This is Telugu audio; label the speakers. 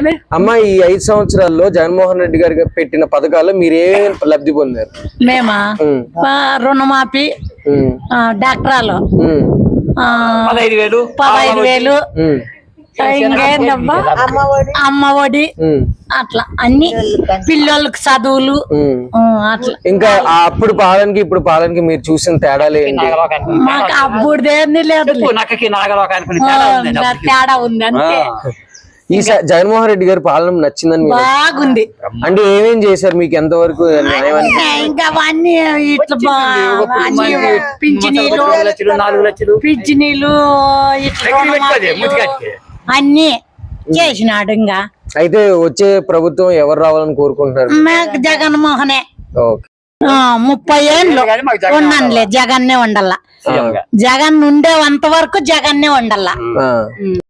Speaker 1: అమ్మ ఈ 5 సంవత్సరాల్లో జగన్మోహన్ రెడ్డి గారు పెట్టిన పథకాలు మీరేం లబ్ధి పొందారు?
Speaker 2: మేమా రుణమాఫీ, డాక్టరాలు 15,000, ఇంకేందబ్బా అమ్మ ఒడి, అట్లా అన్ని పిల్లలకు చదువులు అట్లా.
Speaker 1: ఇంకా అప్పుడు పాలనకి ఇప్పుడు పాలనకి మీరు చూసిన తేడాలు ఏంటి?
Speaker 2: మాకు అప్పుడుదేంది లేదు, తేడా ఉంది అంతే.
Speaker 1: ఈ జగన్మోహన్ రెడ్డి గారి పాలన నచ్చిందని
Speaker 2: బాగుంది.
Speaker 1: అంటే ఏమేం చేశారు మీకు? ఎంతవరకు
Speaker 2: ఇంకా అవన్నీ ఇట్లా పింఛనీలు ఇట్లా అన్ని చేసినాడు. ఇంకా
Speaker 1: అయితే వచ్చే ప్రభుత్వం ఎవరు రావాలని కోరుకుంటున్నారు?
Speaker 2: మాకు జగన్మోహనే. 30 ఏళ్ళు ఉన్నానులే, జగన్నే ఉండాల. జగన్ ఉండేంత వరకు జగన్నే ఉండాల.